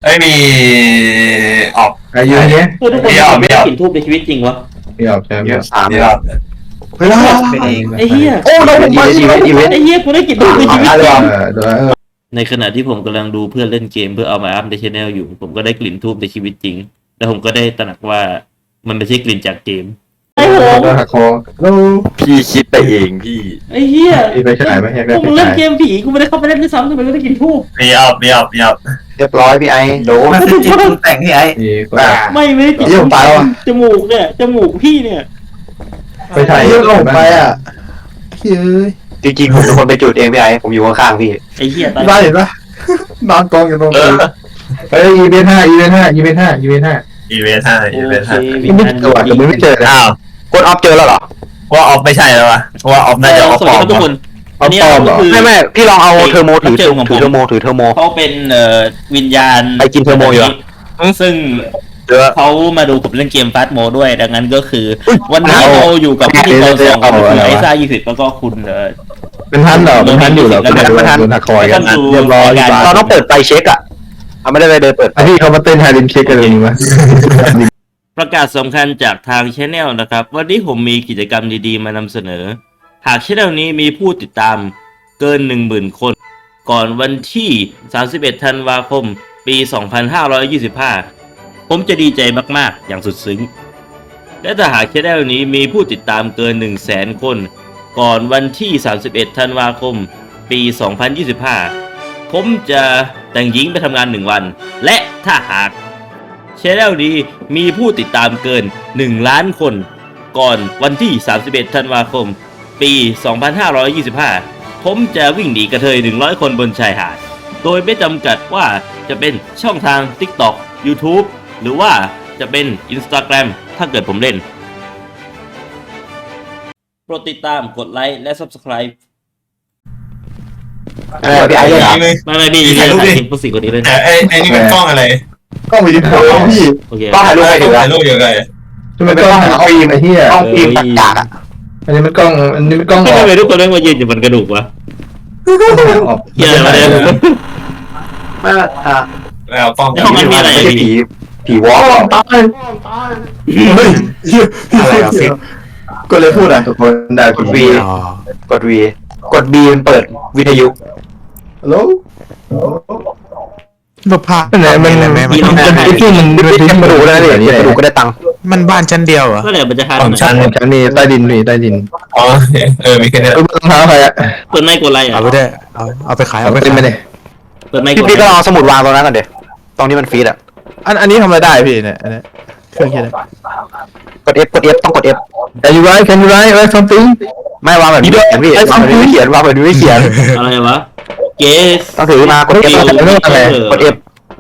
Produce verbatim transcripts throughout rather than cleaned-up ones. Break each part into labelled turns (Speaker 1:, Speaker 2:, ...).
Speaker 1: ไม่มีออก
Speaker 2: อายุเนี้ย
Speaker 3: เพื่อทุกคนไม่ได้กลิ่นทูบในชีวิตจริงวะ
Speaker 2: ไม่ออกใช่ไหม
Speaker 1: สามรอบ
Speaker 2: เฮ้ย
Speaker 3: ไอ้เหี้ย
Speaker 2: โอ้เราผมมาอีเวนต์อีเวนต์
Speaker 3: ไอ้เหี้ยกูได้กลิ่นทูบในชีวิตจริง
Speaker 2: เดี๋ยว
Speaker 3: ในขณะที่ผมกำลังดูเพื่อนเล่นเกมเพื่อเอามาอัพในช anel อยู่ผมก็ได้กลิ่นทูบในชีวิตจริงแล้วผมก็ได้ตระหนักว่ามันไม่ใช่กลิ่นจากเกมไอ้โห
Speaker 2: หักคอแล้ว
Speaker 4: พี่คิดไปเองพี่
Speaker 3: ไอ้เหี้ย
Speaker 2: ไปฉายไหมอยากได้ไป
Speaker 3: กูเล่น
Speaker 2: ฉาย
Speaker 3: เกมผีกูไม่ได้เข้าไปเล่นด้วยซ้ำทำไมไม่ได้กลิ่นทูบ
Speaker 1: มีออกมีออกมีออก
Speaker 4: เรียบร้อยพี่ไอ้โดน
Speaker 1: มันคือจิตปรุงแต่งที่ไอ้
Speaker 3: ไม่ไม่ได้กลิ่นจมูกเนี่ยจมูกพี่เนี่ย
Speaker 2: ไปฉายเยอะลงไปอ่ะเฮ้ย
Speaker 4: จริงๆผมเป็นคนไปจุดเองพี่ไอ้ผมอยู่ข้างๆพี่
Speaker 3: ไอ้เหี้ยตาย
Speaker 2: ได้เห็นปะนอนกองอยู่ตรงนี้เฮ้ยอีเวนต์ห้าอีเวนต์ห้าอีเวนต์ห้าอีเวนต์ห้า
Speaker 1: อีเวนต์ห้าอีเวนต์ห้า
Speaker 2: ไม่เจอแต่ไม่เจอ
Speaker 4: อ้าวกดออฟเจอแล้วเหรอ
Speaker 1: ว่าออฟไม่ใช่แล้ววะว่าออฟน่าจะออฟปลอม
Speaker 3: ทุกคนอันนี้ก็คือ
Speaker 4: ไม่ไม่พี่ลองเอาเทอร์โมถือถือเทอร์โมถือเทอร์โม
Speaker 3: เขาเป็นเอ่อวิญญาณ
Speaker 4: ไปกินเทอร์โมอยู่
Speaker 3: ซึ่งเขามาดูผมเล่นเกมฟาสต์โมด้วยดังนั้นก็คือวันนี้เราอยู่กับพิธีกรสองคนคือไอซ่ายี่สิบแล้วก็คุณเออ
Speaker 2: เป็นท่านเหรอเป็นท่านอยู่เหรอเป็นท่านโดนหักคอยกันเรียบร้อย
Speaker 4: เราต้องเปิดไฟเช็คอ่ะเขาไม่ได้ไปเดินเปิด
Speaker 2: พี่เขามาเต้นไฮริมเช็คกันเลยมั้ย
Speaker 3: ประกาศสำคัญจากทาง channel นะครับวันนี้ผมมีกิจกรรมดีๆมานำเสนอหาก channel นี้มีผู้ติดตามเกิน หนึ่งหมื่น คนก่อนวันที่สามสิบเอ็ดธันวาคมปีสองพันห้าร้อยยี่สิบห้าผมจะดีใจมากๆอย่างสุดซึ้งและถ้าหาก channel นี้มีผู้ติดตามเกิน หนึ่งแสน คนก่อนวันที่สามสิบเอ็ดธันวาคมปีสองพันยี่สิบห้าผมจะแต่งหญิงไปทำงานหนึ่งวันและถ้าหากchannel นี้มีผู้ติดตามเกินหนึ่งล้านคนก่อนวันที่สามสิบเอ็ดธันวาคมปีสองพันห้าร้อยยี่สิบห้าผมจะวิ่งหนีกระเทยหนึ่งร้อยคนบนชายหาดโดยไม่จำกัดว่าจะเป็นช่องทาง TikTok YouTube หรือว่าจะเป็น Instagram ถ้าเกิดผมเล่นโปรดติดตามกดไลค์และ Subscribe
Speaker 4: เออพี่ไอ้เลย
Speaker 3: ไม่ไม่พี่ถ่ายรูปดิผู้สิ่งคนนี้เลย
Speaker 1: ไอ้ไอ้นี่มันกล้องอะไร
Speaker 2: กล้องวิดีโอพี่
Speaker 4: กล้องถ่ายรูปให้ดู
Speaker 1: ถ่ายรูปยังไง
Speaker 2: จะเป็นกล้องฟิล์มไอ้เหี้ย
Speaker 4: กล้องฟิล์มตัดจากอ่ะ
Speaker 2: อันนี้มันกล้องอันนี้มันกล้อง
Speaker 3: ทำไมทุกคนต้องมายืนอยู่บนกระดูกวะเหี้ยอะไรเนี่ย
Speaker 4: ไม่อ่ะ
Speaker 1: แล้วกล้อง
Speaker 3: ห้องนั้นมีอะไร
Speaker 4: ผีผีวอล์ก
Speaker 2: ตายเฮ้ย
Speaker 4: อะไรอ่ะฟิล์ม
Speaker 2: ก็เลยพูดอ่ะทุกคนได้
Speaker 4: กดวีกดวีกดบีมันเปิดวิทยุ
Speaker 2: ฮัลโหล
Speaker 5: รูปภาพ
Speaker 2: ไหนมันมันมันที่มันมันที่กระดูกแล้วเนี่ย
Speaker 4: กระดูกก็ได้ตังค์
Speaker 5: มันบ้านชั้นเดียวเหรอ
Speaker 3: ก็เลยมันจะทาน
Speaker 1: ของชั้น
Speaker 2: ชั้นมีใต้ดินมีใต้ดิน
Speaker 1: อ๋อเออมีแค่นี้
Speaker 2: เออรองเท้าใครอ่ะ
Speaker 3: เปิดไมค์กดอะไรอ่ะ
Speaker 5: เอาไปได้เอาเอาไปขาย
Speaker 2: เอาไปไม่ได้
Speaker 3: เปิดไมค์กด
Speaker 4: พี่ก็ลองสมุดวางตรงนั้นก่อนเดี๋ยวตรงนี้มันฟีดอ่ะ
Speaker 5: อันอันนี้ทำอะไรได้พี่เนี่ยอันนี้เครื่องคิด
Speaker 4: กด F กด F ต้องกด F
Speaker 2: Can you write Can you write write something
Speaker 4: ไม่วางแบบนี้เขียนพี่วางแบบนี้เขียนวางแบบนี้เขียน
Speaker 3: อะไรวะเกส
Speaker 4: ต้องถือมากด F กด F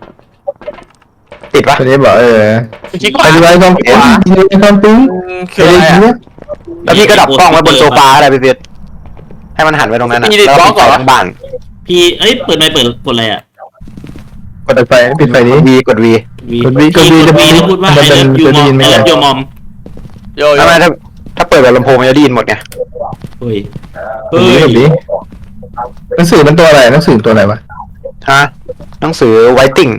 Speaker 4: ติดปะ
Speaker 2: คนนี้บอกเออ Can you write something Can you write something
Speaker 4: คืออะไรอ่ะแล้วพี่ก็ดับกล้องไว้บนโซฟาอะไรพี่เพียรให้มันหันไปตรงนั้นนะแล้วก็ปิดไฟทั้งบ้าน
Speaker 3: พี่เอ้ยเปิดไมค์เปิดกดอะไรอ่ะ
Speaker 2: กดไฟปิดไฟนี้
Speaker 4: V กด V
Speaker 2: กด V กด V
Speaker 3: จะพูดว่า I love you mom I love you mom
Speaker 4: ทำไมถ้าถ้าเปิดแบบลำโพงมันจะได้ยินหมดไง
Speaker 3: เฮ้ย
Speaker 2: เฮ้ยหนังสือมันตัวอะไรหนังสือตัวอะไรวะ
Speaker 4: ฮะหนังสือ Writing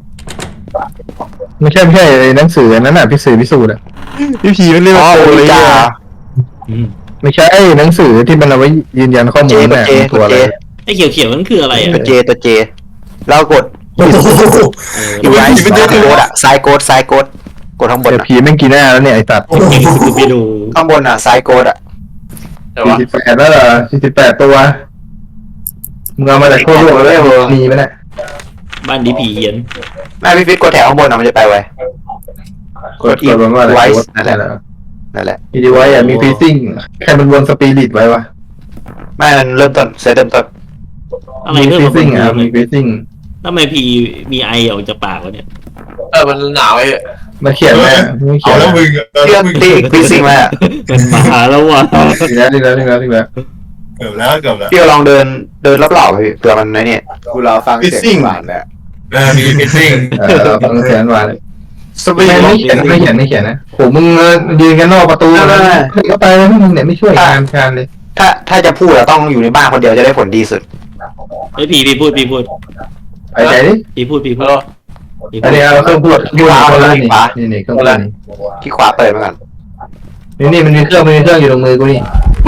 Speaker 2: ไม่ใช่ไม่ใช่หนังสือนั้นน่ะพี่สื่อพิสูจน์อ่ะพี่ผีมันเรียกว่าตัวอะไรไม่ใช่หนังสือที่มันเอาไว้ยืนยันข้อมูลน่ะตัวอะไร
Speaker 3: ไอ้เขียวเขียวนั่นคืออะไร
Speaker 4: ตัวเจตัวเจแล้วกดอยู่ไอ้ซ้ายโกดอะซ้ายโกดซ้ายโกดกดข้างบน
Speaker 2: ผีแม่งกี่หน้าแล้วเนี่ยไอ้ตัด
Speaker 3: ไปดู
Speaker 4: ข้างบนอะซ้ายโกดอะ
Speaker 2: สี่สิบแปดแล้วเหรอสี่สิบแปดตัวมึงเอามาจากทั่วโลกเลยมีไหมเนี่ย
Speaker 3: บ้านดีผีเหี้ยน
Speaker 4: แม่พี่ฟิตกดแถวข้างบนอะมันจะไปไว
Speaker 2: กดอีกว่าอะไรนั่นแหละ
Speaker 4: นั่นแหละ
Speaker 2: มีดีไว้อะมีฟีซิ่งใครมันวนสปิริตไว้วะ
Speaker 4: ไม่มันเริ่มต้นเซตเริ่มต้น
Speaker 3: อะไร
Speaker 2: มีฟีซิ่งอะมีฟีซิ่ง
Speaker 3: ทำไมพีมีไอออกจากปากวะเนี่ย
Speaker 1: เออมันหนาวไอ้
Speaker 2: มาเขียนไหมไม่เขียน
Speaker 1: แล้วมึง
Speaker 4: เรื่องตีฟีซิ่งมา
Speaker 3: เป็นหมาแล้ววะ
Speaker 2: ดีแล้วดีแล้วดีแล้วดีแล้ว
Speaker 1: เกือบแล้วเกือบแล้ว
Speaker 4: พี่ลองเดินเดินรอบๆพี่เผื่อมันในนี่
Speaker 2: กูรอฟังเสียงหวานเนี่ย
Speaker 1: เออมีฟีซิ่ง
Speaker 2: เออฟังเสียงหวานไม่เขียนไม่เขียนไม่เขียนนะโหมึงยืนกันนอกประตูแล้วก็ไปแล้วมึงเนี่ยไม่ช่วยงานการเลย
Speaker 4: ถ้าถ้าจะพูดเราต้องอยู่ในบ้านคนเดียวจะได้ผลดีสุด
Speaker 3: ไอ้ผีผีพูดผีพูด
Speaker 2: ไปไหนดิ
Speaker 3: ผีพูดผีพูด
Speaker 2: อันนี้เราเครื่องพูดพูดคนละนี่นี่เครื่องพูด
Speaker 4: ที่ขวาเปิดมาก่อน
Speaker 2: นี่นี่มันมีเครื่องมันมีเครื่องอยู่ตรงมือกูนี่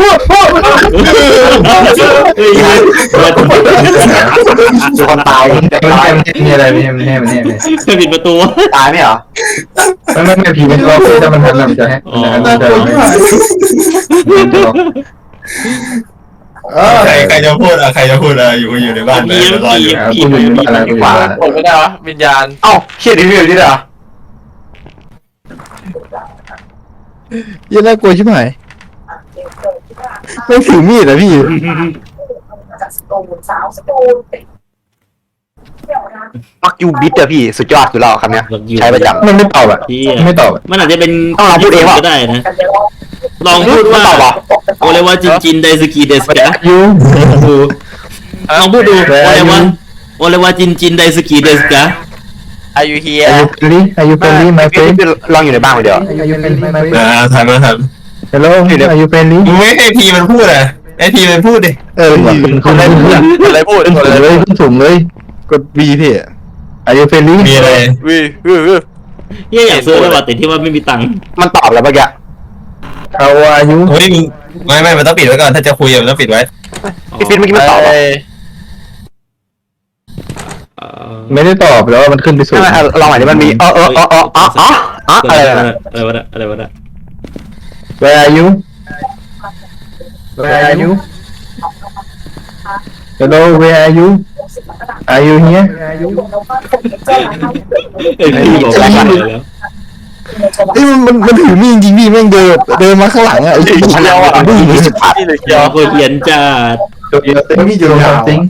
Speaker 4: มีคนตาย
Speaker 2: ไม่ใช่ไม่ใช่มีอะไรไม่ใช่ไม่ใช่ไม่ใช่ไม่ใช่
Speaker 3: ปิดประตู
Speaker 4: ตายไหมเหรอ
Speaker 2: ไม่ไม่ไม่ผีมันก็คือถ้ามันทันมันจะให้มันจะเออ
Speaker 1: ใครใครจะพูดอะใครจะพูดอะอยู่อยู่ในบ้านเลยรออยู่
Speaker 2: กูอยู่ที่อะไรกูอยู่ที่อะไร
Speaker 6: กดไม่ได้วะวิญญาณ
Speaker 4: เอ้าเชี่ยดิวิวนี่เหรอ
Speaker 5: เหี้ยังน่ากลัวชิบหายไม่ถือมีดอะพี่
Speaker 4: มักยูบิทอะพี่สุดยอดคือเราคำเนี้ยใช้ประจำ
Speaker 2: มันไม่ตอบอ่ะ
Speaker 3: พี่
Speaker 2: ไม่ตอบ
Speaker 3: มันอาจจะเป็น
Speaker 4: ต้องลองพูดเองว่ะ
Speaker 3: ก็ได้นะลองพูดว่า
Speaker 4: ตอบเหรอ
Speaker 3: โอเลวาจินจินไดสกีเดสกะ
Speaker 2: ยู
Speaker 3: ลองพูดดูโอเลวาโอเลวาจินจินไดสกีเดสกะ
Speaker 6: อายุเฮีย
Speaker 2: อายุเฟรลี่อายุเฟรลี่ my
Speaker 4: พี่
Speaker 2: friend
Speaker 4: พี่ลองอยู่ในบ้านคนเดียว
Speaker 2: อายุเฟรลี่ my
Speaker 1: อ่า
Speaker 2: friend
Speaker 1: ทันแล้วทัน
Speaker 2: hello อายุเฟรลี่
Speaker 1: มึงไม่ให้พีมันพูดอะไอพีมันพูดดิ
Speaker 5: เออพี่
Speaker 2: คุณได้เพื่อน
Speaker 6: อะไรพูด
Speaker 2: ขึ้นสูงเลยขึ้นสูงเลย
Speaker 5: กด V พี่
Speaker 2: อายุเฟรลี่
Speaker 1: มีอะไร
Speaker 6: วิววิว
Speaker 3: เฮียอยากซื้อเลยว่ะแต่ที่ว่าไม่มีตังค์
Speaker 4: มันตอบแล้วเมื่อกี้
Speaker 2: เขาอายุ
Speaker 1: เฮ้ยมึงไม่ไม่มันต้องปิดไว้ก่อนถ้าจะคุยมันต้องปิดไว้
Speaker 4: พี่ฟิตเมื่อกี้มันตอบเหรอ
Speaker 3: เอ่อ
Speaker 2: ไม่ได้ตอบแล้วมันขึ้นไปสูง
Speaker 4: ใช่ไหมอ่ะลองหน่อยดิมันมีเออเออเออเออเออเออเอออะไรนะ
Speaker 3: อะไรวะเนี่ยอะไรวะเนี่ย
Speaker 2: Where are you Where are you Hello Where are you Are you here
Speaker 3: ไอ้พี่บอกว่าอะไรแล้ว
Speaker 5: เอ้ยมันมันมันถือมีดจริงๆพี่แม่งเดินเดินมาข้างหลังอะไอ้
Speaker 4: เชี่ยวอ่ะ
Speaker 5: ผู้หญิง
Speaker 4: สิบพัน
Speaker 6: นี่เลยเชี
Speaker 3: เดี๋
Speaker 6: ย
Speaker 3: ยว
Speaker 6: ว
Speaker 3: คนเขียนจัด
Speaker 2: Do you think you know something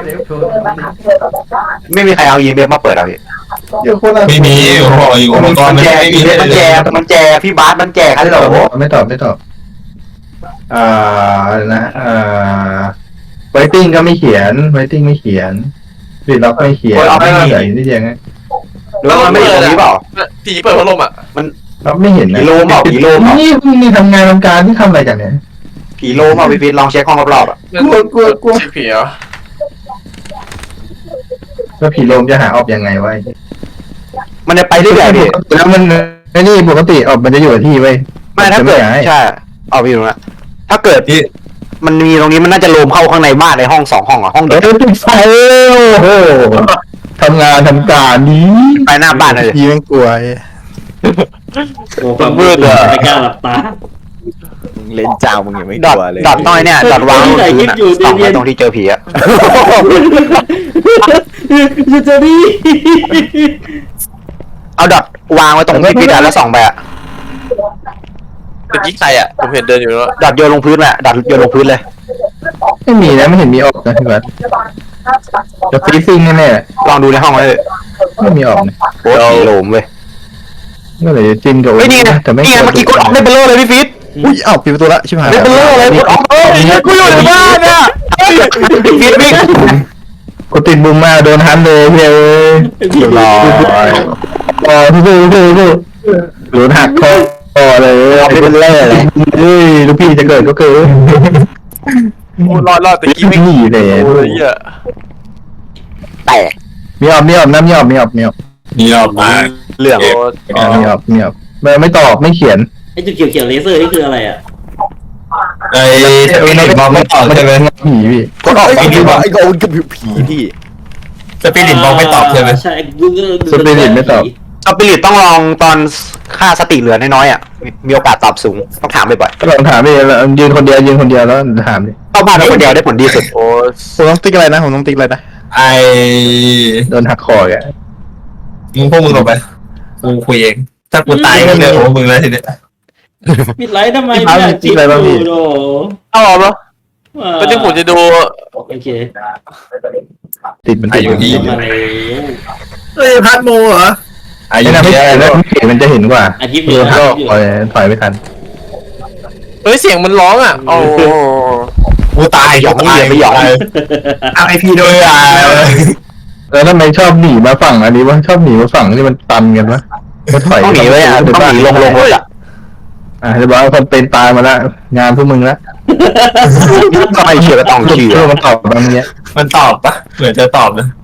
Speaker 4: ไม่มีใครเอาอีเมลมาเปิดหรอพี่
Speaker 1: ไม่มีผมบอกอยู่อุปกรณ์มันไม่มี
Speaker 4: มันแจกมันแจกพี่บาสมันแจกฮัลโหล
Speaker 2: ไม่ตอบไม่ตอบอ่าอะไรนะอ่า waiting ก็ไม่เขียน waiting ไม่เขียนรีล็อกไม่เขียนไม่เขียนนี่ยังไง
Speaker 4: แล้วมันไม่อยู่ตรงนี้เปล่า
Speaker 6: ผีเปิดพัดลมอ่ะ
Speaker 2: เราไม่เห็นนะ
Speaker 4: ผีโลมเปล่าผีโลมเปล่า
Speaker 2: นี่พวกนี้ทำงานทำการที่ทำอะไรกันเนี่ย
Speaker 4: ผีโลมาพี่ฟิตลองเช็คห้องรอบๆอ่ะ
Speaker 2: กลัวกลัวกลัว
Speaker 6: ผีเหรอ
Speaker 2: แล้วผีโลมจะหาออกยังไงวะ
Speaker 4: มันจะไปเรื่อยๆพี่
Speaker 2: แล้วมันไอ้นี่ปกติออกมันจะอยู่กับที่ไว้
Speaker 4: ไม่ถ้าเกิดใช่เอาไปอยู่นะถ้าเกิดมันมีตรงนี้มันน่าจะโลมเข้าข้างในบ้านในห้องสองห้องอ่ะห้อง
Speaker 2: เอ
Speaker 4: เดียว
Speaker 2: อติดไฟโอ้โหทำงานทำการนี้
Speaker 4: ไปหน้าบ้านเลย
Speaker 5: พี่แม่งกลัวไอ้
Speaker 3: โอ้ความมืดอ่ะไม่กล้าหลับตา
Speaker 7: เล่นเจ้ามึงยังไม่
Speaker 4: ด
Speaker 7: ก
Speaker 4: อท
Speaker 7: ลัวเลย
Speaker 4: ดอทน้อยเนี่ยดอทวางบนพื้นอ่ะส่องไปตรงที่เจอผีอ่ะ
Speaker 3: ยูจะดี
Speaker 4: เอาดอทวางไว้ตรงที่พี่ดันแล้วส่องไปอ่ะ
Speaker 6: เมื่อกี้ใครอ่ะผมเห็นเดินอยู่แล้ว
Speaker 4: ดอทโยนลงพื้นอ่ะดอทโยนลงพื้นเลย
Speaker 2: ไม่มีนะไม่เห็นมีออกนะพี่บัสจะฟรีซิ่งแน่
Speaker 4: ลองดูในห้องเลย
Speaker 2: ๆไม่มีออกนะ
Speaker 4: โอ้ผีโลมเว้ย
Speaker 2: ก็เลยจิ้มกับ
Speaker 4: เฮ้ยนี่ไง
Speaker 2: แต่ไม่
Speaker 4: นี่ไงเมื่อกี้กดออกได้เบลอเลยพี่ฟิต
Speaker 5: อุ้ยเอ้าปิดประตูละชิบหาย
Speaker 4: ได้เบลอเลยกดออกเอ้ยกูอยู่ในบ้านอ่ะพี่ฟิตวิ่ง
Speaker 2: กูติดบุมมาโดนฮันเลยเฮ้ย
Speaker 3: พี่
Speaker 2: รอรอสู้สู้สู้โดนหักคอคอเลยเอาไปเป็นแร่เลยเฮ้ยลูกพี่จะเกิดก็เกิด
Speaker 6: รอดรอดตะกี้
Speaker 2: ไม่
Speaker 6: ไม่
Speaker 2: หนีเลย
Speaker 6: โอ้ยเหี้ย
Speaker 4: แตก
Speaker 2: มีออกมีออกน้ำมีออกมีออกมีออก
Speaker 1: นี่ออกมา
Speaker 4: เรื่อง
Speaker 2: มีออกมีออกไม่ไม่ตอบไม่เขียน
Speaker 3: ไอ้จุดเขียวเขียวเลเซอร์นี่คืออะไรอ่ะ
Speaker 1: ไอ้สปิริตบอกไม่ตอบใช่ไหม
Speaker 2: ผีพี่
Speaker 4: กดออก
Speaker 7: ไอ้
Speaker 4: ไป
Speaker 7: ไอ้ไอ้โอ้ยกับผีพี่
Speaker 1: สปิริตบอกไม่ตอบใช่ไหม
Speaker 3: ใช่กูก็
Speaker 2: สปิริตไม่ตอบ
Speaker 4: สปิริตต้องลองตอนค่าสติเหลือน้อยๆอ่ะมีมีโอกาสตอบสูงต้องถามบ่อย
Speaker 2: ก็ลองถามดิยืนคนเดียวยืนคนเดียวแล้วถามดิ
Speaker 4: ๆเข้าบ้านได้คนเดียวได้ผลดีสุด
Speaker 6: โอ้ย
Speaker 5: ผมต้องติ๊กอะไรนะผมต้องติ๊กอะไรนะ
Speaker 1: ไอ้
Speaker 2: โดนหักคอแก
Speaker 1: มึงพวกมึงออกไปกูคุยเองถ้ากูตายก็เรื่องของมึงแล้วทีเนี้ย
Speaker 3: ปิดไลท์ทำไมไม่อยากจิบดูโด
Speaker 6: เอาเหรอก็ที่ผมจะดู
Speaker 3: โอเค
Speaker 2: ติดมันติด
Speaker 3: มาแล้ว
Speaker 7: เฮ้ยพัดโมเหรอ
Speaker 1: ไอ้
Speaker 2: ไอ้
Speaker 1: ยั
Speaker 2: นั่
Speaker 1: ง
Speaker 2: น
Speaker 1: ไม่
Speaker 2: ไม่
Speaker 1: ได้
Speaker 2: เห็น
Speaker 1: แล้
Speaker 2: แล้ว วเห็นมันจะเห็นกว่า
Speaker 3: อาทิตย์
Speaker 2: โด
Speaker 3: นี้
Speaker 2: นหักคอถอยไม่ทัน
Speaker 6: เฮ้ยเสียงมันร้องอ่ะโอ้
Speaker 1: กูตายกูตายไม่ยอมเอาไอพีโดยอ่ะ
Speaker 2: แล้วทำไมชอบหนีมาฝั่งอันนี้วะชอบหนีมาฝั่งที่มันตันกันวะก็ถอย
Speaker 4: ต้องหนีไว้อ่ะต้องหนีลงลงรถอ่ะ
Speaker 2: อ่ะจะบอกว่าคนเป็นตายมาแล้วงานพวกมึงละ
Speaker 4: ก็ไม่เชื่อก็ต้องเชื่อ
Speaker 2: เพื่อมันตอบบางเนี้ย
Speaker 1: มันตอบปะเหมือนจะตอบนะ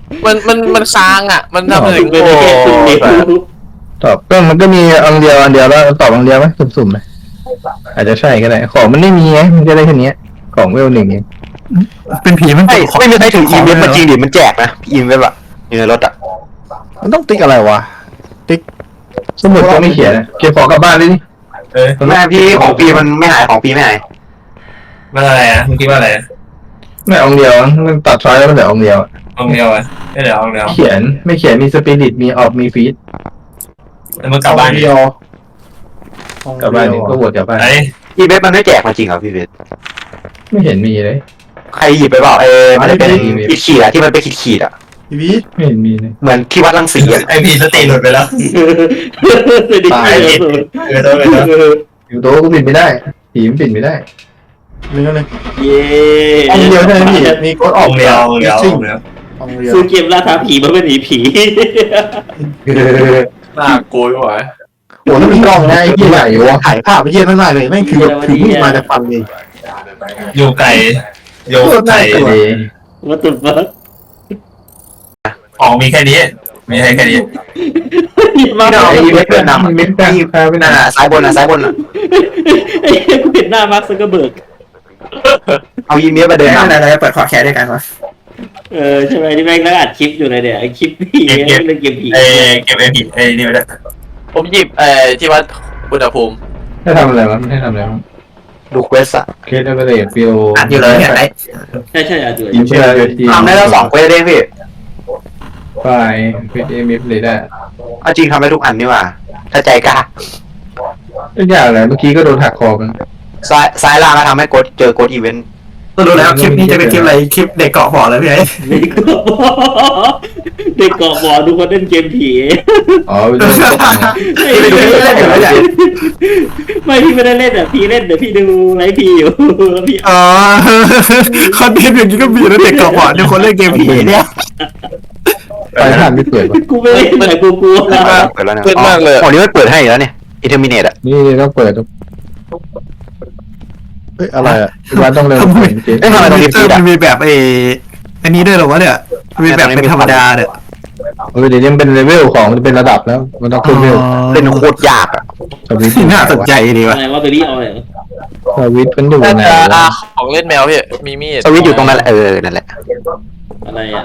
Speaker 6: มันมันมันค้างอ่ะ มันทำอะไร
Speaker 3: เป็น
Speaker 6: โอ้
Speaker 3: แค่ตุ่มเดียว
Speaker 2: ตอบก็มันก็มีอันเดียวอันเดียวแล้วตอบอันเดียวไหมสุ่มๆไหมอาจจะใช่ก็ได้ของมันไม่มีไงมันจะได้แค่นี้ของเวลหนึ่งเอง
Speaker 5: เป็นผีมัน
Speaker 4: ไม่ไม่มีใครถืออีเวนต์มาจริงดิมันแจกนะอีเวนต์อะอยู่ในรถอะ
Speaker 5: มันต้องติ๊กอะไรวะ
Speaker 2: สมุดก็ไม่เขียนเก็บของกลับบ้านเลยนี่
Speaker 1: เออ
Speaker 4: แม่พี่ของปีมันไม่หายของปีไม่หาย
Speaker 1: มันอะไรอ่ะมึงคิดว่าอะไร
Speaker 2: ไม่องเดียวมันตัดช้อยแล้วมันเหลือองเดียว
Speaker 1: ห้องเดียวอ่ะไม่เดี๋ยวห้องเดียว
Speaker 2: เขียนไม่เขียนมีสปิริตมีออกมีฟีด
Speaker 1: แล้วมึงกลับบ้านดิ
Speaker 2: กลับบ้านนี่ก็บวชกลับบ้าน
Speaker 1: ไอ้
Speaker 4: อีเวนต์มันไม่แจกมาจริงเหรอพี่เวท
Speaker 2: ไม่เห็นมีเลย
Speaker 4: ใครหยิบไปเปล่าเออมันจะเป็น
Speaker 2: ไม่ได้
Speaker 4: ขีดขีดอะที่มันเป็นขีดขีดอะ
Speaker 5: พี่วิทย์
Speaker 2: ไม่เห็นมีเลย
Speaker 4: เหมือนที่วัดรังสีอะ
Speaker 1: ไอ้พีสติหลุดไปแล้ว
Speaker 2: ตาย
Speaker 1: เออโดนไปแล้ว
Speaker 2: อยู่โต๊ะก็ปิดไม่ได้ผีมันปิดไม่ได้
Speaker 5: เนื้อเลย
Speaker 3: เย้
Speaker 2: องเดียวใช่ไหมพี่มีกดอ
Speaker 1: ห้
Speaker 2: อ
Speaker 1: อก งเดียวห้องเดียวห้องเดียว
Speaker 5: องเดียว
Speaker 3: ซื้อเกมล่าท้าผีมาเป็นหนีผี
Speaker 6: น่ากลัวไม่ไหว
Speaker 2: โอ้แล้วมีกล้องนะไอ้ที่ไหนวะ
Speaker 5: ถ่ายภาพไปเยี่ยมมากเลยแม่งคือแบบถือมีดมาจะฟันเลย
Speaker 1: อยู่ไก่โยไก่
Speaker 2: เลย
Speaker 3: ว่าตุ่มฟัก
Speaker 1: ของมีแค่นี้มีให้แค่นี้
Speaker 3: มา
Speaker 2: ไอ้อีเวนต์เพื่อนนำอีเวนต์แป้งพาไป
Speaker 4: นั่น
Speaker 2: นำ
Speaker 4: อะซ้ายบนอะซ้ายบนอะ
Speaker 3: ไอ้กูเห็นหน้ามาร์คซักเกอร์เบิร์ก
Speaker 4: เอาอีเวนต์มาเดินนำ
Speaker 5: อะไรเปิดขอแคร์ด้วยกันวะ
Speaker 3: เออใช่ไหมที่แม่งนั่งอัดคลิปอยู่เลยเนี่ยไอ้คลิปผีเล่นเกมผี
Speaker 1: ไอ้เก็บไอ้ผิดไอ้นี่ไปแล้ว
Speaker 6: ผมหยิบเอ่อที่วัดอุณหภูมิ
Speaker 2: ให้ทำอะไรวะให้ทำอะไรวะ
Speaker 4: ดูเควสอะ
Speaker 2: เคสเอเวอเรสฟิล
Speaker 5: อัดอยู่เลยเนี่ยไอ้
Speaker 3: ใช่ใช่อัดอยู่
Speaker 2: อินเชียร์ที
Speaker 4: ทำได้แล้วสองเควสเองพี่
Speaker 2: ไฟเฟสเอมิฟเลยได้
Speaker 4: เอาจริงทำได้ทุกอันนี่หว่าถ้าใจกล้า
Speaker 2: ทุกอย่างเลยเมื่อกี้ก็โดนหักคอกัน
Speaker 4: ซ้ายซ้ายล่างก็ทำให้กดเจอกดอีเวนต์
Speaker 5: ก็รู้แล้วคลิปนี้จะเป็นคลิปอะไรคลิปเด็กเกาะหอเลยพี่ไอ้
Speaker 3: เด็กเกาะบ่อเด็กเกาะบ่อดูคนเล่นเกมผี
Speaker 2: อ๋อไปดู
Speaker 3: ไม่ได้เล่นไม่พี่ไม่ได้เล่นอ่ะพี่เล่นเดี๋ยวพี่ดูไลฟ์พี่อยู่แล้วพี่
Speaker 5: อ๋อคอนเทนต์อย่างนี้ก็มีนะเด็กเกาะหอเนี่ยคนเล่นเกมผีเนี่ย
Speaker 2: ไปผ่านไม่เปิดวะ
Speaker 3: กูไม่เล่นแต่กูกลัว
Speaker 4: เปิดแล้วนะอ๋อนี่มันเปิดให้แล้วเนี่ยอินเทอร์มิเนตอะ
Speaker 2: นี่ต้องเปิด
Speaker 5: เฮ้ยอะไรอ่ะ
Speaker 2: วันต้องเริ่มเปิดจริง
Speaker 4: เอ้ยทำไมต้องรีบปิดอะ
Speaker 5: มันมีแบบเออันนี้ด้วยเหรอวะเนี่ยมีแบบเป็นธรรมดาเนี่ย
Speaker 2: เออเดี๋ยวนี้มันเป็นเลเวลของมันเป็นระดับแล้วมันต้องขึ้นเลเวล
Speaker 4: เป็นโคตรยากอะ
Speaker 2: สวิตช์
Speaker 5: น่าสนใจดีวะ
Speaker 3: อะไรว่าเบบี้ออย
Speaker 2: สวิตช์มันอยู่
Speaker 6: น่า
Speaker 2: ไหน
Speaker 6: จะ
Speaker 2: วะ
Speaker 6: ของเล่นแมวพี่มีมีด
Speaker 4: สวิตช์อยู่ตรงนั้นแหละเออนั่นแหละ
Speaker 3: อะไรอ่ะ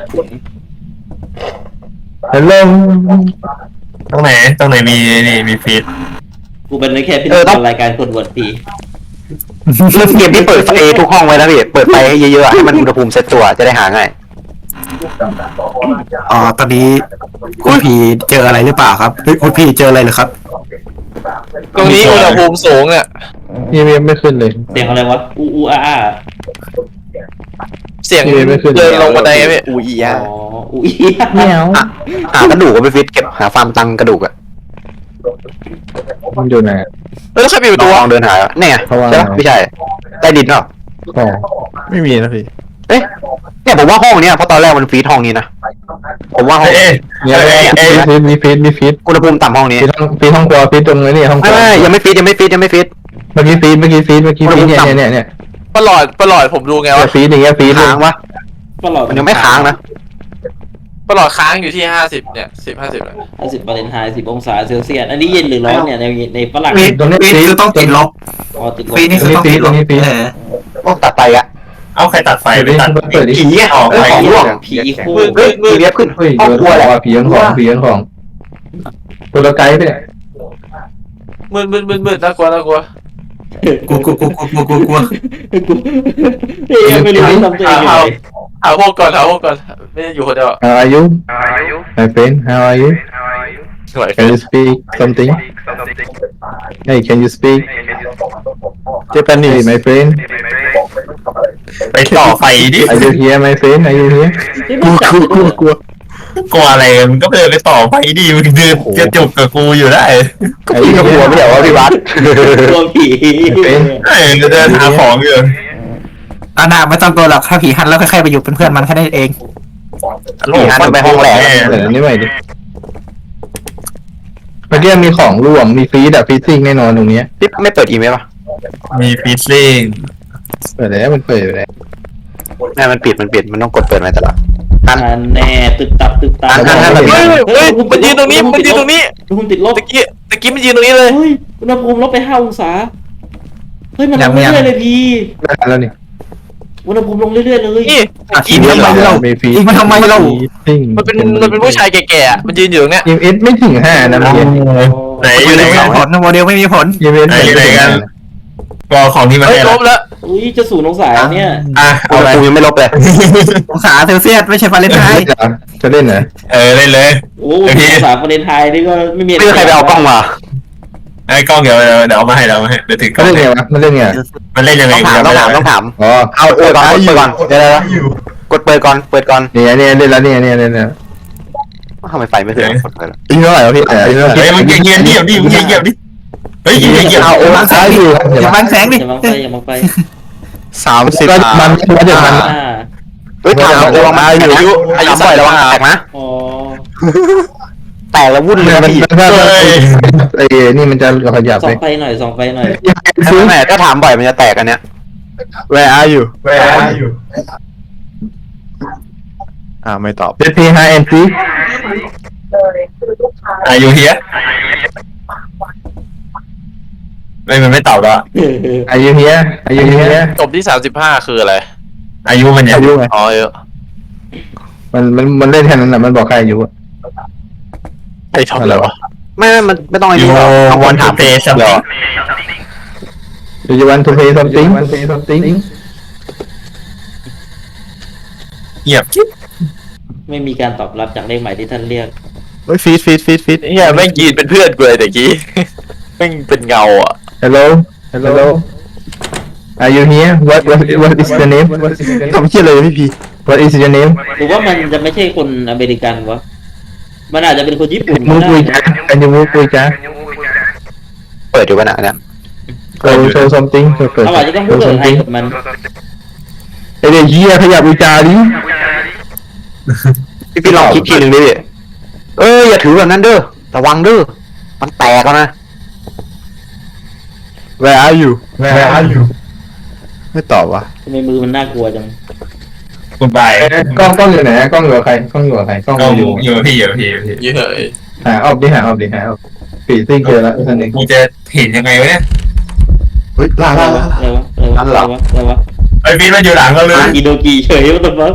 Speaker 2: ฮัลโหล
Speaker 1: ตรงไหนตรงไหนมีนี่มีฟีด
Speaker 3: กูเป็นแค่พิธีกรรายการคนบวชผี
Speaker 4: เล่นเกมที่เปิดไฟทุกห้องไว้นะพี่เปิดไฟให้เยอะๆอะให้มันอุณหภูมิเซตตัวจะได้หาง่าย
Speaker 5: อ๋อตอนนี้คุณพีเจออะไรหรือเปล่าครับเฮ้ยคุณพีเจออะไรเหรอครับ
Speaker 6: ตรงนี้อุณหภูมิสูงเนี่ย
Speaker 2: นี่ไม่ขึ้นเลย
Speaker 3: เสียงอะไรวะอูอูอาอา
Speaker 6: เสียง
Speaker 2: นี่ไม่ขึ้น
Speaker 6: เดินลงบันไดพี่
Speaker 7: อูอี
Speaker 3: อ๋
Speaker 7: อ่ะ
Speaker 3: ออูอี
Speaker 2: แมว
Speaker 4: อ่ะหากระดูกก็ไปฟิตเก็บหาฟาร์มตังกระดูกอะ
Speaker 2: มันอยู่ไหน
Speaker 6: แล้วใครปิดประตู
Speaker 4: ล
Speaker 6: อะ
Speaker 4: องเดินหาเนี่ย
Speaker 2: เพราะว่า
Speaker 4: ใช่ปะไม่ใช่ใต้ดินเปล่า
Speaker 2: ของ
Speaker 5: ไม่มีนะพี่
Speaker 4: เอ๊ะเนี่ยผมว่าห้องเนี้ยเพราะตอนแรกมันฟีดห้องนี้นะผมว่าห้อง
Speaker 1: เอ้ย
Speaker 2: เนี่ยมีฟีดมีฟีด
Speaker 4: อุณหภูมิต่ำห้องนี้
Speaker 2: ฟีดห้องฟีดห้องครัวฟีดตรงนี้นี่ห้องค
Speaker 4: ไม่
Speaker 2: รัว
Speaker 4: ไม่ยังไม่ฟีดยังไม่ฟีดยังไม่ฟีด
Speaker 2: เมื่อกี้ฟีดเมื่อกี้ฟีดเมื่อกี้ฟีดเนี่ยเนี่ยเนี่ย
Speaker 6: ประหลอดประหลอดผมดูไง
Speaker 2: เนี่
Speaker 6: วะ
Speaker 2: ยฟีดอย่างเงี้ยฟีด
Speaker 4: ค้างวะ
Speaker 3: ตลอด
Speaker 4: มันยังไม่ค้างนะ
Speaker 6: ประหลอดค้างอยู่ที่ห้าสิบเนี่ยสิบห้าสิบ
Speaker 3: ห้าสิบฟาเรนไฮต์สิบองศาเซลเซียสอันนี้เย็นหรือร้อนเนี่ยในในฝรั่ง
Speaker 5: ฟีด
Speaker 2: ตรงนี้
Speaker 5: ฟีด
Speaker 2: ฟีด
Speaker 5: คือต้องติดลบ
Speaker 3: อ๋อติดลบ
Speaker 5: ฟีดนี่คือต้องติดลบเออ
Speaker 4: โอ้ตัดไปอะ
Speaker 1: เอาใครตัดไฟไปตัด
Speaker 2: เปิดดิ
Speaker 4: ผีอะ
Speaker 1: ออก
Speaker 4: เออ
Speaker 1: ไป
Speaker 4: ของร่วง
Speaker 3: ผีคู่
Speaker 4: เฮ้ยมีเว็บขึ้น
Speaker 2: เฮ้ย
Speaker 4: ห้อง
Speaker 2: โดน
Speaker 4: ครัวแหละ
Speaker 2: ว่าผียังของผียังของตัวละไกด์ไปเนี่ย
Speaker 6: มืดมืดมืดมืดน่ากลัวน่ากลัว
Speaker 5: กลัวกลัวกลัวกลัวกลัวกลัว
Speaker 3: เอ้ยไม่รู้ทำตัวเองยังไง
Speaker 6: หาพวกก่อนหาพวกก่อนไม่ได้อยู่คนเดียวอะ
Speaker 2: How are you my friend How are you
Speaker 6: สวย
Speaker 2: Can you speak something Hey can you speak Japanese my friend
Speaker 1: ไปต่อไฟดิ
Speaker 2: Are you here my friend Are you here
Speaker 5: กลัวกลัวกลัวกลัว
Speaker 1: กลัวอะไรมึงก็เดินไปต่อไฟดิมึงเดินจะจบกับกูอยู่ได้
Speaker 2: Are
Speaker 4: พี่
Speaker 2: you
Speaker 4: ก็กลัว
Speaker 2: here
Speaker 4: ไม่ใช่ว่าพี่วัด
Speaker 3: กลัวผี
Speaker 1: เอ้ยจะเดินหาของอยู่
Speaker 5: อาณาไม่ต้องกลัวหรอกถ้าผีหันแล้วค่อยๆไปอยู่เป็นเพื่อนมันแค่นั้นเอง
Speaker 4: ผีหันไปห้องแรก
Speaker 2: เดี๋ยวนี้ใหม่ดิเมื่อกี้มีของร่วงมีฟีดอะฟีดซิ่งแน่นอนตรงนี้
Speaker 4: พี่ไม่เปิดอีเมลป่ะ
Speaker 1: มีฟีซซิ่ง
Speaker 2: เปิดแล้วมันเปิดอยู่แล้ว
Speaker 4: ไม่มันปิดมันปิดมันต้องกดเปิดมาแต่ละกัน
Speaker 3: อันแน่ตึกตับตึกตับ
Speaker 4: อันอันอัน
Speaker 6: เฮ้ยเฮ้ยมันยืนตรงนี้มันยืนตรงนี้
Speaker 3: อุณหภูมิติดลบ
Speaker 6: ตะกี้ตะกี้มันยืนตรงนี้เลย
Speaker 3: เฮ้ยอุณหภูมิลบไปห้าองศาเฮ้ยมันลงเรื่อยๆเลยพี่
Speaker 2: ได้แล้วนี่
Speaker 3: อุณหภูมิลงเรื่อยๆเลย
Speaker 6: นี่ตะกี้
Speaker 2: ทำไมเราไม่ฟี
Speaker 1: อีกมันทำไมเรา
Speaker 6: มันเป็นมันเป็นผู้ชายแก่ๆอะมันยืนอยู่ตรงเนี้ย
Speaker 2: ยิมเอสไม่ถึงห้านะเมื่อกี้
Speaker 1: ไหนอยู่ไหนกันผลโมเดลไม่มีผล
Speaker 2: ยิมเอส
Speaker 1: ไหนอยู่ไหนกันก็ของที่มัน
Speaker 6: เฮ้ย
Speaker 1: ให้
Speaker 6: ล
Speaker 1: เรา
Speaker 6: บแล้ว
Speaker 3: อุ้ยจะศูนย์องศาเนี่ย
Speaker 1: อ่ะ
Speaker 4: อุ
Speaker 1: เอา
Speaker 4: ณห
Speaker 1: ไป
Speaker 4: ภูมิยังไม่ลบเลย
Speaker 1: องศาเซลเซียสไม่ใช่ฟาเรนไฮต์
Speaker 2: จะเล่นเหรอ
Speaker 1: เออเล่นเลย
Speaker 3: โอ้ศูนย์องศาประเด็นไทยนี่ก็ไม่มี
Speaker 4: ไม่มีใครไปเอากล้องมา
Speaker 1: ไอ้กล้องเดี๋ยวเดี๋ยวเดี๋ยวเอามาให้เดี๋ยวเอามาให้เดี๋ยวถือกล้
Speaker 2: เขา
Speaker 1: อง
Speaker 2: เล่น
Speaker 1: ให้
Speaker 2: ไงวะมันเล่นไง
Speaker 1: มันเล่นยังไง
Speaker 4: ต้องถามต้องถามต้องถาม
Speaker 2: อ๋อ
Speaker 4: เอาเปิดก่อนเปิดก่อนเดี๋ยวเดี๋ยวกดเปิดก่อนเปิดก่อน
Speaker 2: เนี่ยเนี่ยเล่นแล้วเนี่ยเนี่ยเนี่ย
Speaker 4: ทำไมไฟไม่ถึงกดเปิด
Speaker 2: อีกเท่าไหร่วะพี่อีกเท่าไหร่
Speaker 1: เฮ้ยมึงเงียบเงียบดิมึงเงียบเงียบดิเฮ้ยเงียบเงียบ
Speaker 2: เอาโอ้
Speaker 1: บังแส
Speaker 2: ซ้าย
Speaker 1: ง
Speaker 2: อ
Speaker 1: ดิ
Speaker 2: ยู่
Speaker 1: อย่าบังแสงดิ
Speaker 3: อย่ามองไปอย่ามองไป
Speaker 7: สามสิบ
Speaker 2: ก็มันมันเดี๋ยวมัน
Speaker 3: อ่า
Speaker 4: เฮ้ยถามระวังมาอายุอายุบ่อยระวังแตกนะ
Speaker 3: อ๋อ
Speaker 4: แตกแล้ววุ่นเลย
Speaker 2: มัน
Speaker 4: พี่
Speaker 2: ถ้าไอ้นี่มันจะขยับ
Speaker 3: ส่อ
Speaker 2: ไป
Speaker 3: งไฟหน่อยส่องไฟหน่อย
Speaker 4: ซื้อแม่ถ้าถามบ่อยมันจะแตกอันเนี้ย
Speaker 7: Where are you
Speaker 2: แหวอยู่
Speaker 7: อ่าไม่ตอบ
Speaker 2: เดพีไฮเอ็นซี
Speaker 1: อายุเฮียไม่มันไม่ตอบแล้ว
Speaker 2: อายุเฮียอายุเฮีย
Speaker 6: จบที่สามสิบห้าคืออะไร
Speaker 1: อายุมันเนี่ย
Speaker 2: อายุไง
Speaker 6: อ๋อเออ
Speaker 2: มันมันมันเล่นแค่นั้นแหละมันบอกใครอายุ
Speaker 6: ไอ้ทำอะไรวะ
Speaker 4: ไม่ไม่มันไม่ต้องไอ้
Speaker 1: ยู
Speaker 4: นี่หรอกเอา
Speaker 1: วั
Speaker 4: วัน น
Speaker 1: ถา
Speaker 4: ถาม ม
Speaker 1: เตะสัม
Speaker 4: เหร
Speaker 1: ผั
Speaker 4: อ
Speaker 1: ส
Speaker 2: Do you want to play something want to play something
Speaker 1: เงียบจิ๊บ
Speaker 3: ไม่มีการตอบรับจากเลขหมายที่ท่านเรียก
Speaker 7: เฮ้ยฟีดฟีดฟีดฟีด
Speaker 6: เฮียแม่งยืนเป็นเพื่อนกูเลยตะกี้แม่งเป็นเงาอ่ะ
Speaker 2: Hello Hello Are you here What what what is your name
Speaker 7: ทำเชี่ยเลยพี่พี
Speaker 2: What is your name
Speaker 3: หรือว่ามันจะไม่ใช่คนอเมริกันวะมันอาจจะเป็นคนญี่ปุ่น
Speaker 2: มู
Speaker 3: ก็
Speaker 2: คุย
Speaker 3: ได้
Speaker 2: จ้า Can you move คุยจ้า
Speaker 4: เปิดอยู่กันนะเนี่ย
Speaker 2: Show show something เปิด
Speaker 3: เราอาจจะต้องพูด
Speaker 2: show
Speaker 3: ภาษาไทย
Speaker 2: something
Speaker 3: กับมัน
Speaker 2: ไอเด็กเหี้ยขยับอุจาดิ
Speaker 4: พี่พี่ลองคิดทีหนึ่งดิเอ้ยอย่าถือแบบนั้นเด้อระวังเด้อมันแตกแล้วนะ
Speaker 7: Where are you
Speaker 2: Where are you
Speaker 7: ไม่ตอบวะ
Speaker 3: ทำไมมือมันน่ากลัวจัง
Speaker 1: คุณบาย
Speaker 2: กล้องกล้องอยู่ไหนกล้องอยู่กับใครกล้องอยู่กับใครกล้อง
Speaker 1: ก็
Speaker 2: อยู่
Speaker 1: อยู่กับพี่อยู่กับพี่อยู่กับพี่
Speaker 6: เยอะเลย
Speaker 2: หาออกดิหาออกดิหาออกปีซิ่งเจอแล้วท่านหนึ่ง
Speaker 1: มึงจะเห็นยังไงวะเนี่ย
Speaker 7: เฮ้ยลา
Speaker 3: อะไร
Speaker 7: ลาว
Speaker 3: ะอะไรวะอะไรวะอะไรวะอะไรวะ
Speaker 1: ไอ้ฟีนมันอยู่หลังเราเลย
Speaker 3: อีโดกีเฉยว่าตัวฟัง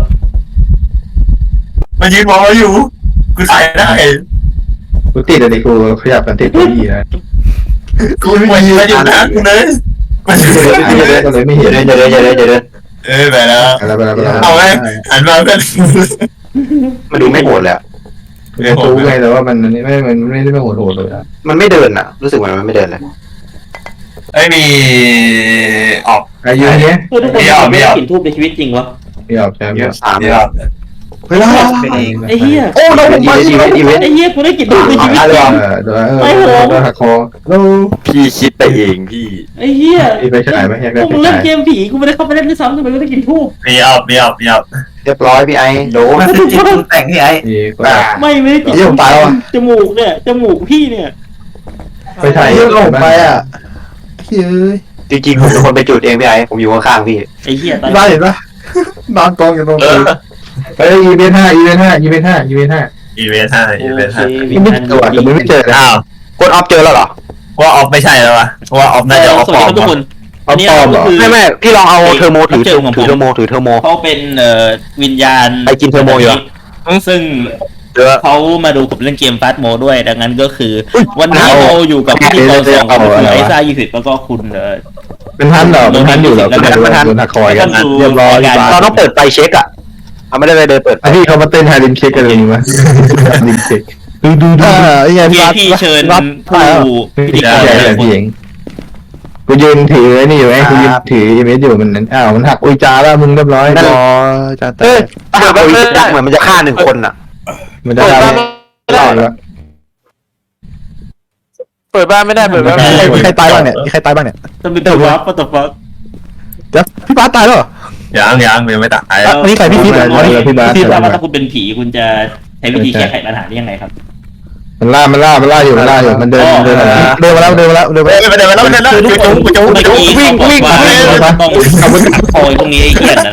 Speaker 1: มันยืนมองเราอยู่กูใส่ได้
Speaker 2: กูติดอะไรกูขยับกันติดตัวอีนะ
Speaker 1: กูมันยืนอยู่นะกูเลยมันยืน
Speaker 2: ไม่เห็นก็เลยไม่
Speaker 4: อ
Speaker 2: เห็
Speaker 4: ย่าน เดินอย่าเดินอย่าเดินอย่าเดิน
Speaker 1: เออไปแล้ว
Speaker 2: อะไรไปแล้วไปแล้ว
Speaker 1: เอาไหมหันมาเพื่อน
Speaker 4: มันดูไม่โหดเลยอะ
Speaker 2: ไม่รู้ไงแต่ว่ามันไม่มันไม่ได้ไม่โหดโหดเลยอะ
Speaker 4: มันไม่เดินอะรู้สึกเหมือนมันไม่เดินเลย
Speaker 1: ไอ้มีออก
Speaker 2: อายุเนี้ย
Speaker 3: เพื่อทุกคน
Speaker 1: ไม่เอาไม่
Speaker 3: ไม่ได้
Speaker 1: เอา
Speaker 3: กลิ่นทูบในชีวิตจริงวะ
Speaker 2: ไม่ออกใช่ไหม
Speaker 4: สาม
Speaker 1: เดี๋
Speaker 4: เลย
Speaker 1: วย
Speaker 7: เฮ้ยลาลา
Speaker 3: ไอ้เหี้ย
Speaker 2: โอ้เรา
Speaker 4: อีเวนต์อีเวนต์อีเวนต์
Speaker 3: ไอ้เหี้ยกูได้กลิ่นทูบในชีวิต
Speaker 2: เอ
Speaker 3: จริง
Speaker 2: อโดนเออโดนหักคอแล้ว
Speaker 6: พี่คิดไปเองพี่
Speaker 3: ไอ้เหี้ย
Speaker 2: อีไปฉายไหมอยาก
Speaker 3: พ
Speaker 2: ได้
Speaker 3: วก
Speaker 2: ไป
Speaker 3: มึงเล่
Speaker 2: ฉาน ย
Speaker 3: เกมผีกูไม่ได้เข้าไปเล่นด้วยซ้ำทำไมกูได้กลิ่นทูบ
Speaker 1: มีออกมีออกมีออก
Speaker 4: เรียบร้อยพี่ไอ้โดน
Speaker 1: มันคือจิตปรุงแต่งที่ไอ้
Speaker 2: อีก็
Speaker 3: ไม่ไม่ได้กลิ่น
Speaker 7: เยี่ยมตายแล้วอ่ะ
Speaker 3: จมูกเนี่ยจมูกพี่เนี่ย
Speaker 2: ไปฉาย
Speaker 7: เยี่ยมลงไปอ่ะเฮ้ย
Speaker 4: จริงๆผมเป็นคนไปจุดเองพี่ไอ้ผมอยู่ข้างๆพี่
Speaker 3: ไอ้เหี้ยตาย
Speaker 7: บ้าเห็นปะนอนกองอยู่ตรง
Speaker 6: เอ
Speaker 7: นี้
Speaker 6: อ
Speaker 2: ไปอีเวนต์ห้าอีเวนต์ห้าอีเวนต์ห้าอีเวนต์ห้า
Speaker 1: อีเวนต์ห้าอีเวนต์ห้า
Speaker 2: ไม่เจอแต่ไม่เจอเลย
Speaker 1: อ้าว
Speaker 4: กดออฟเจอแล้วเหรอ
Speaker 1: ว่าออฟไม่ใช่แล้ววะว่าออฟน่าจะออฟ
Speaker 3: สวัส
Speaker 1: ปล
Speaker 3: ดี
Speaker 1: อ
Speaker 3: ค
Speaker 1: ม
Speaker 3: รับทุกคนอันนี้เราก็คือ
Speaker 4: ไม่ไม่พี่ลองเอาเทอร์โมถือ
Speaker 3: เจ
Speaker 4: ถื
Speaker 3: อ
Speaker 4: อ
Speaker 3: ของผม
Speaker 4: เทอร์โมถือเทอร์โม
Speaker 3: เขาเป็นเอ่อวิญญาณ
Speaker 4: ไปกินเทอร์โมอยู่เหรอ
Speaker 3: ซึ่ง
Speaker 4: เดี๋ยว
Speaker 3: เขามาดูผมเล่นเกมฟาสโมด้วย ดังนั้นก็คือ วันนี้เราอยู่กับพิธีกรสองคนคุณไอซ่ายี่สิบแล้วก็คุณเอ่อ
Speaker 2: เป็นพันเหรอเป็นพันอยู่เหรอเป็นพันโดนหักคอยกัน เรียบร้อย
Speaker 4: เราต้องเปิดไฟเช็คอะเอาไม่ได้ไปเดินเปิดไฟ
Speaker 2: ที่เขามาเต้นฮาริมเช็คกันเลยมั้ยฮาริมเช็คดูดูดู
Speaker 7: อ่าไอ้ไง
Speaker 3: พี่
Speaker 7: พี่
Speaker 3: พี่เชิญ
Speaker 7: รับ
Speaker 3: ผู้พิธีก
Speaker 2: ใช่
Speaker 3: ร
Speaker 2: ใช่
Speaker 3: หลายคน
Speaker 2: พี่เองกูยืนถือนี่อยู่ไงกูยืนถืออีเมลอยู่มันอ้าวมันหักอุยจาแล้วมึงเรียบร้อย
Speaker 7: รอจะแต
Speaker 4: เอ้ย
Speaker 7: ก
Speaker 4: ถ้าเปิดไฟเหมือนมันจะฆ่าหนึ่งคนอะ
Speaker 2: มันจะทำได้แล้ว
Speaker 6: เปิดบ้านไม่ได้เปิดบ้านไม่ได้
Speaker 7: มีใครตายบ้างเนี่ยมีใครตายบ้างเนี่ย
Speaker 3: ต้องเป็นตัววับปะตัวฟัก
Speaker 7: เดี๋ยวพี่บาสตายแล้วเหรอ
Speaker 1: ยังยังยังไม่ตาย
Speaker 7: อ่ะอันนี้ใครพี่พีทเหรอ
Speaker 2: พี่บาสพี่บาส
Speaker 7: พี่บาส
Speaker 3: ว่าถ้าคุณเป็นผีคุณจะใช้วิธีแก้ไขปัญหาได้ยังไงครับ
Speaker 2: มันล่ามันล่ามันล่าอยู่มันล่าอยู่มันเดินเดิน
Speaker 7: เดินมาแล้วเดินมาแล้วเดินมา
Speaker 1: เฮ้ย
Speaker 7: แล้ว
Speaker 1: ไปเดี๋ยวไปแล้วไปเดี๋ยวไปจุ๊บไปจุ๊บไปจุ๊บ
Speaker 3: เมื่อกี้
Speaker 1: วิ่งวิ่ง
Speaker 3: เขาบอกว่าต้องคอยตรงนี้ไอ้เหี้ยนะนะ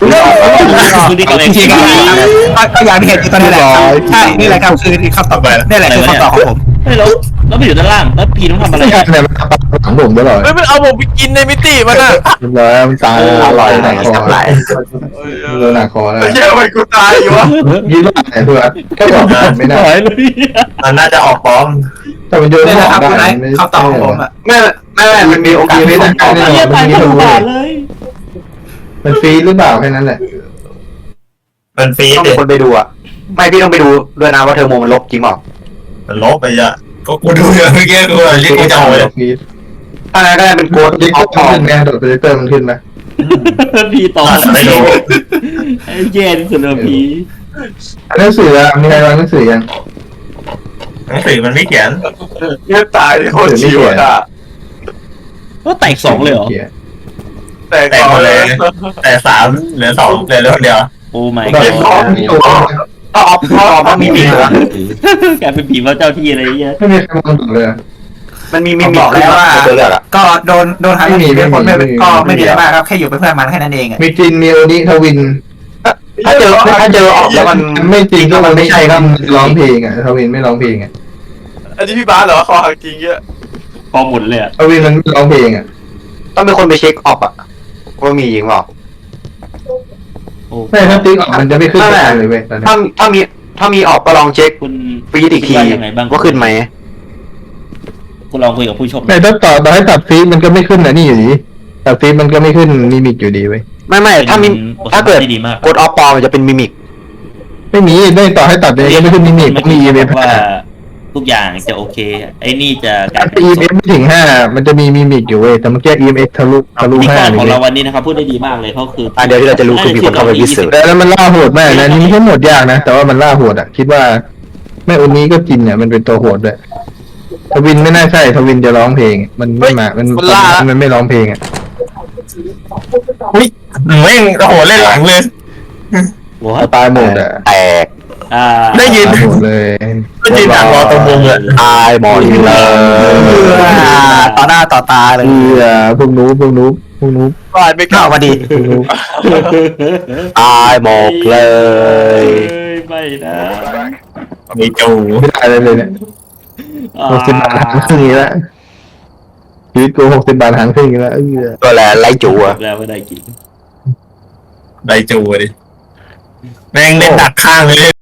Speaker 3: คือนี่ก็เลย
Speaker 8: จริงๆก็ก็อย่างที่เห็นอยู่ตอนนี้แหละครับใช่นี่แหละครับคือคำตอบนี่แหละคือคำตอบของผม
Speaker 3: เฮ้ยแล้วแล้วไปอยู่ด้านล่างแล้วพีต้องทำอะไร
Speaker 7: ไม่ใช่เนี่ยมันทำหลังผมตลอด
Speaker 6: เฮ้ยมันเอาผมไปกินในมิติมันอ่ะ
Speaker 7: เรียบร้อยมันตาย
Speaker 4: อร่อย
Speaker 2: ห
Speaker 4: ไหน
Speaker 2: นักคอ
Speaker 4: กับไหล
Speaker 2: โดนหนักคอแล้ว
Speaker 6: เชื่อมันกูตายอยู่วะ
Speaker 2: ยืดไหนเพื่อนแค่บอกไม่ได้
Speaker 3: หายเลย
Speaker 1: มันน่าจะออกป้อม
Speaker 2: แต่มันโยน
Speaker 8: นี่
Speaker 2: ห
Speaker 8: แห
Speaker 2: อ
Speaker 8: ละครับ
Speaker 2: ได้
Speaker 8: คุณไอ้
Speaker 2: ไม่
Speaker 8: คำตอบของผมอ่ะ
Speaker 2: ไม่ไม่ไม่มันมีโอกาสไม่ได้แน่น
Speaker 3: เฮีย
Speaker 2: อน
Speaker 3: ตาย
Speaker 2: มัน
Speaker 3: ทั้ง
Speaker 2: มี
Speaker 3: บ้านเลย
Speaker 2: มันฟรีหรือเปล่าแค่นั้นแหละ
Speaker 1: มันฟรี
Speaker 4: ต้อง
Speaker 1: เด็
Speaker 4: มีคนไปดูอ่ะไม่พี่ต้องไปดูด้วยนะว่าเทอร์โมมันลบจริงเปล่า
Speaker 1: มันลบไปอ่ะก็กูดูอย่างเมื่อกี้กูเรียกกูจะเอาเลย
Speaker 2: ฟรี
Speaker 4: ถ้าไงก็ได้เป็นโกด
Speaker 2: โดด
Speaker 4: ออฟ
Speaker 2: โปรเจคเตอร์มันขึ้นไงโดดโปรเจคเตอร์มันขึ้นไหม
Speaker 3: พีต่อ
Speaker 1: ไม่ดู
Speaker 3: ไอ้เย็นสุดเลยพี
Speaker 2: หนังสืออะมีใครวางหนังสือยัง
Speaker 1: หนังสือมันไม่เขียน
Speaker 6: เนี่ยตายโคตรชิวอ่ะ
Speaker 3: ก็แตกสองเลยเหรอ
Speaker 6: แต่
Speaker 1: แต่
Speaker 6: ก่
Speaker 1: หม
Speaker 6: อน
Speaker 1: ด
Speaker 6: เล
Speaker 1: เลย ย แต่สามเหลือสองเหลือเรื่องเดียว
Speaker 3: โอ้ไม่
Speaker 2: ตอนนี้พร้อมมีตัว
Speaker 4: ก็ออฟก็ออฟต้องมีมิกเหรอก
Speaker 3: ลายเป็นผีว่าเจ้าที่อะไรเงี้ย
Speaker 2: ไม่มีใครมองดูเลย
Speaker 4: มันมีมิ
Speaker 8: ผม
Speaker 4: มิ
Speaker 8: บอกแล้วว่า
Speaker 4: ตัวเลือกอ่ะ
Speaker 8: ก็โดนโดนหา
Speaker 2: ไม่มี
Speaker 8: เป็นคน
Speaker 2: ไม่
Speaker 8: ไม่
Speaker 2: มี
Speaker 8: ก็ไม่
Speaker 2: ไม่มี
Speaker 8: มีอะไรมากครับแค่อยู่เป็นเพื่อนมันแค่นั้นเองอ่ะ
Speaker 2: มีจินมีโอนิทวิน
Speaker 4: ถ้าเจอถ้าเจอออกแล้วมัน
Speaker 2: ไม่จริงก็มันไม่ใช่ครับร้องเพลงอ่ะทวินไม่ร้องเพลงอ่ะ
Speaker 6: อันนี้พี่บ้าเหรอคอหักจริงเงี้ย
Speaker 3: พอหมุนเลยอ่ะ
Speaker 2: ทวินมันไม่ร้องเพลงอ่ะ
Speaker 4: ต้องเป็นคนไปเช็คออฟอ่ะว่ามีจริงเปล่า
Speaker 2: ไม่ถ้าติ๊กออกมันจะไม่ขึ้นเลยเว้ยตอนนี้
Speaker 4: ถ้าถ้ามีถ้ามีออกก็ลองเช็ค
Speaker 3: คุณ
Speaker 4: ฟีดอีกที
Speaker 3: ว่ายังไงบ้าง
Speaker 4: ว่าขึ้นไหม
Speaker 3: คุณลองคุยกับผู้ชม
Speaker 7: แต่ถ้าต่อต่อให้ตัดฟีดมันก็ไม่ขึ้นนะนี่อยู่ดีตัดฟีดมันก็ไม่ขึ้นมิมิกอยู่ดีเว้ย
Speaker 4: ไม่ไม่ถ้ามีถ้าเกิด
Speaker 3: ดีมาก
Speaker 4: กดออฟปอมันจะเป็นมิมิก
Speaker 7: ไม่มีได้ต่อให้ตัดเลยก็ไม่ขึ้นมิมิกมีอีเวนต์
Speaker 3: ว่าทุกอย่างจะโอเค ไอ้นี่จะกลาย
Speaker 7: ถ้า อีเอ็มไม่ถึงห้ามันจะมีมิมิกอยู่เว้ยแต่เมื่อกี้ อี เอ็ม เอ็กซ์ ทะลุทะลุ
Speaker 3: พิธี
Speaker 7: ห้าก
Speaker 3: ร
Speaker 7: เล
Speaker 3: ของ
Speaker 7: ย
Speaker 3: เราวันนี้นะครับพูดได้ดีมากเลยเขาคือ
Speaker 4: อ่ะเดี๋ยวที่เราจะรู้คือมีคนเข้าไปวิสิต
Speaker 7: แต่แล้วมันล่าโหดมากนะนี่ไม่ใช่โหมดยากนะ แต่ว่ามันล่าโหดอ่ะ คิดว่าแม่อุนี้ก็จินเนี่ยมันเป็นตัวโหดด้วยทวินไม่น่าใช่ทวินจะร้องเพลง มันไม่มามันมันไม่ร้องเพลงอ่ะ
Speaker 1: อุ้ยแม่งโอ้โหเล่นหลังเลย
Speaker 7: เอาตายหมดอ่ะ
Speaker 4: แตก
Speaker 3: อ่า
Speaker 1: ได้ยิน
Speaker 7: ตายหมดเลย
Speaker 1: ก็ยืนดักรอตรงมุมเลย
Speaker 4: ตายหมดเลย
Speaker 8: ต่อหน้าต่อตาเลย
Speaker 7: เออพวกนู้พวกนู้พวกนู้
Speaker 6: ตายไม่ก
Speaker 8: เข้า
Speaker 6: ล้า
Speaker 8: มาดี
Speaker 7: พวกนู้
Speaker 4: ตายหมดเลย
Speaker 3: ไม่นะ
Speaker 1: มีจู
Speaker 7: ไม่ได้เลยเลยเนี่ยหกสิบบาทหารครึ่งนี้ละชีวิตกูหกสิบบาทหารครึ่งนี้ละเออ
Speaker 4: ตัวแหละไล่จูอะ
Speaker 3: แล้วไม่ได้กิน
Speaker 1: ได้จูดิแม่งเล่นดักข้างเลย